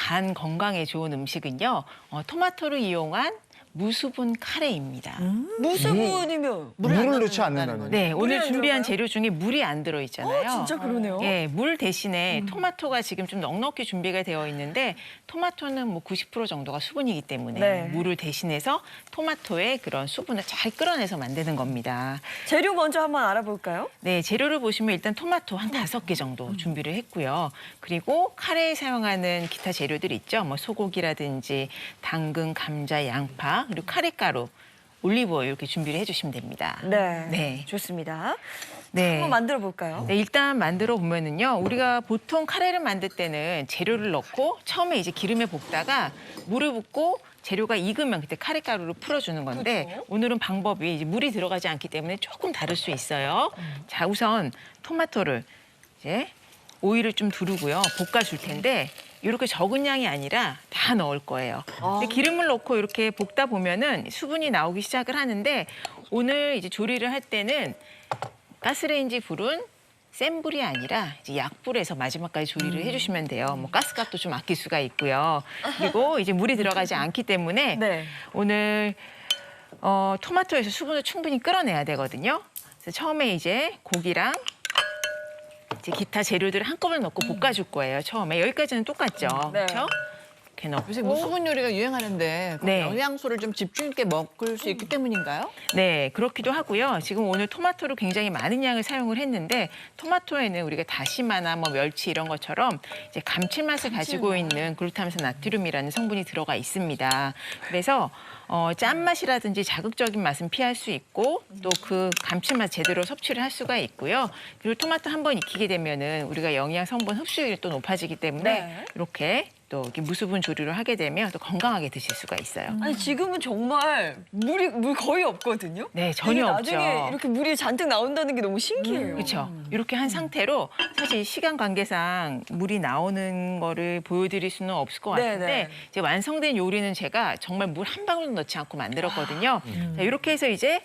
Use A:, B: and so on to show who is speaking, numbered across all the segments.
A: 간 건강에 좋은 음식은요. 토마토를 이용한 무수분 카레입니다.
B: 무수분이면
C: 물을 넣지 않는다는 거죠.
A: 네, 오늘
B: 안
A: 준비한
B: 들어가요?
A: 재료 중에 물이 안 들어있잖아요.
B: 진짜 그러네요.
A: 예, 물 대신에 토마토가 지금 좀 넉넉히 준비가 되어 있는데 토마토는 뭐 90% 정도가 수분이기 때문에
B: 네.
A: 물을 대신해서 토마토의 그런 수분을 잘 끌어내서 만드는 겁니다.
B: 재료 먼저 한번 알아볼까요?
A: 네, 재료를 보시면 일단 토마토 한 5개 정도 준비를 했고요. 그리고 카레에 사용하는 기타 재료들 있죠. 뭐 소고기라든지 당근, 감자, 양파, 그리고 카레가루, 올리브오일 이렇게 준비를 해주시면 됩니다.
B: 네,
A: 네.
B: 좋습니다.
A: 네.
B: 한번 만들어 볼까요?
A: 네, 일단 만들어 보면은요. 우리가 보통 카레를 만들 때는 재료를 넣고 처음에 이제 기름에 볶다가 물을 붓고 재료가 익으면 그때 카레가루를 풀어주는 건데
B: 그렇죠.
A: 오늘은 방법이 이제 물이 들어가지 않기 때문에 조금 다를 수 있어요. 자, 우선 토마토를 이제 오일을 좀 두르고요. 볶아줄 텐데 이렇게 적은 양이 아니라 다 넣을 거예요. 근데 기름을 넣고 이렇게 볶다 보면은 수분이 나오기 시작을 하는데 오늘 이제 조리를 할 때는 가스레인지 불은 센 불이 아니라 이제 약불에서 마지막까지 조리를 해주시면 돼요. 뭐 가스값도 좀 아낄 수가 있고요. 그리고 이제 물이 들어가지 않기 때문에
B: 네.
A: 오늘 토마토에서 수분을 충분히 끌어내야 되거든요. 그래서 처음에 이제 고기랑 이제 기타 재료들을 한꺼번에 넣고 볶아줄 거예요. 처음에 여기까지는 똑같죠.
B: 네.
A: 그렇죠? 이렇게 넣고.
D: 요새 무수분 요리가 유행하는데
A: 네.
D: 영양소를 좀 집중 있게 먹을 수 있기 때문인가요?
A: 네, 그렇기도 하고요. 지금 오늘 토마토를 굉장히 많은 양을 사용을 했는데 토마토에는 우리가 다시마나 뭐 멸치 이런 것처럼 이제 감칠맛을 가지고 있는 글루타민산 나트륨이라는 성분이 들어가 있습니다. 그래서 짠맛이라든지 자극적인 맛은 피할 수 있고 또 그 감칠맛 제대로 섭취를 할 수가 있고요. 그리고 토마토 한 번 익히게 되면은 우리가 영양 성분 흡수율이 또 높아지기 때문에
B: 네.
A: 이렇게 또 이렇게 무수분 조리를 하게 되면 또 건강하게 드실 수가 있어요.
B: 아니 지금은 정말 물 거의 없거든요.
A: 네, 전혀
B: 이게
A: 없죠.
B: 나중에 이렇게 물이 잔뜩 나온다는 게 너무 신기해요.
A: 그렇죠. 이렇게 한 상태로 사실 시간 관계상 물이 나오는 거를 보여드릴 수는 없을 것 같은데
B: 네네.
A: 이제 완성된 요리는 제가 정말 물 한 방울도 넣지 않고 만들었거든요. 자, 이렇게 해서 이제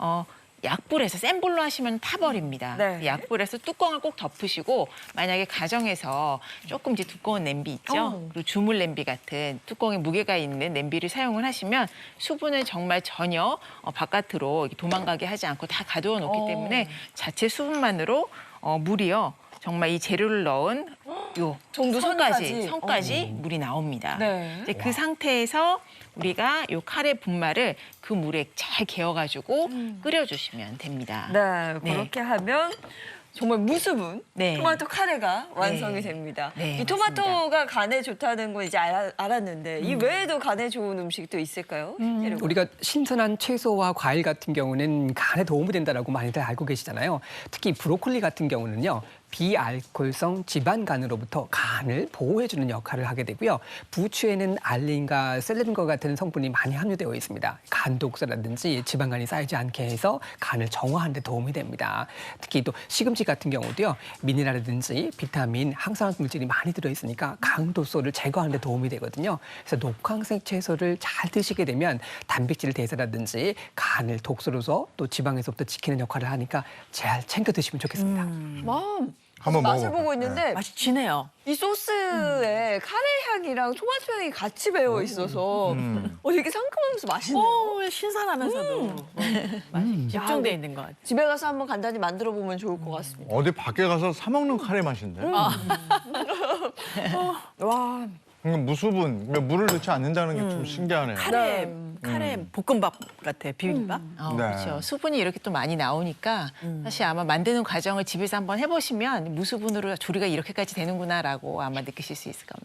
A: 약불에서 센 불로 하시면 타버립니다.
B: 네.
A: 약불에서 뚜껑을 꼭 덮으시고 만약에 가정에서 조금 이제 두꺼운 냄비 있죠. 그리고 주물 냄비 같은 뚜껑에 무게가 있는 냄비를 사용을 하시면 수분을 정말 전혀 바깥으로 이렇게 도망가게 하지 않고 다 가두어 놓기 때문에 자체 수분만으로 물이요. 정말 이 재료를 넣은 요
B: 정도
A: 선까지
B: 선까지?
A: 물이 나옵니다.
B: 네.
A: 이제 그 상태에서 우리가 요 카레 분말을 그 물에 잘 개어가지고 끓여주시면 됩니다.
B: 네,
A: 네.
B: 그렇게 하면 정말 무수분
A: 네.
B: 토마토 카레가 완성이
A: 네.
B: 됩니다.
A: 네,
B: 이 토마토가 간에 좋다는 건 이제 알았는데 이 외에도 간에 좋은 음식도 있을까요? 재료가?
E: 우리가 신선한 채소와 과일 같은 경우는 간에 도움이 된다라고 많이들 알고 계시잖아요. 특히 브로콜리 같은 경우는요. 비알코올성 지방간으로부터 간을 보호해주는 역할을 하게 되고요. 부추에는 알린과 셀레닌과 같은 성분이 많이 함유되어 있습니다. 간 독소라든지 지방간이 쌓이지 않게 해서 간을 정화하는 데 도움이 됩니다. 특히 또 시금치 같은 경우도요. 미네랄이라든지 비타민, 항산화 물질이 많이 들어있으니까 강도소를 제거하는 데 도움이 되거든요. 그래서 녹황색 채소를 잘 드시게 되면 단백질 대사라든지 간을 독소로서 또 지방에서부터 지키는 역할을 하니까 잘 챙겨 드시면 좋겠습니다.
C: 한번
B: 맛을
C: 먹어볼까요?
B: 보고 있는데
D: 맛이 진해요.
B: 이 소스에 카레 향이랑 토마토 향이 같이 배어 있어서 되게 상큼하면서 맛있네요.
D: 신선하면서도 맛이 집중돼 있는 것 같아요.
B: 집에 가서 한번 간단히 만들어 보면 좋을 것 같습니다.
C: 어디 밖에 가서 사 먹는 카레 맛인데.
B: 와,
C: 그러니까 무수분, 그러니까 물을 넣지 않는다는 게 좀 신기하네요.
D: 카레 볶음밥 같아요. 비빔밥.
C: 네.
A: 그렇죠. 수분이 이렇게 또 많이 나오니까 사실 아마 만드는 과정을 집에서 한번 해보시면 무수분으로 조리가 이렇게까지 되는구나라고 아마 느끼실 수 있을 겁니다.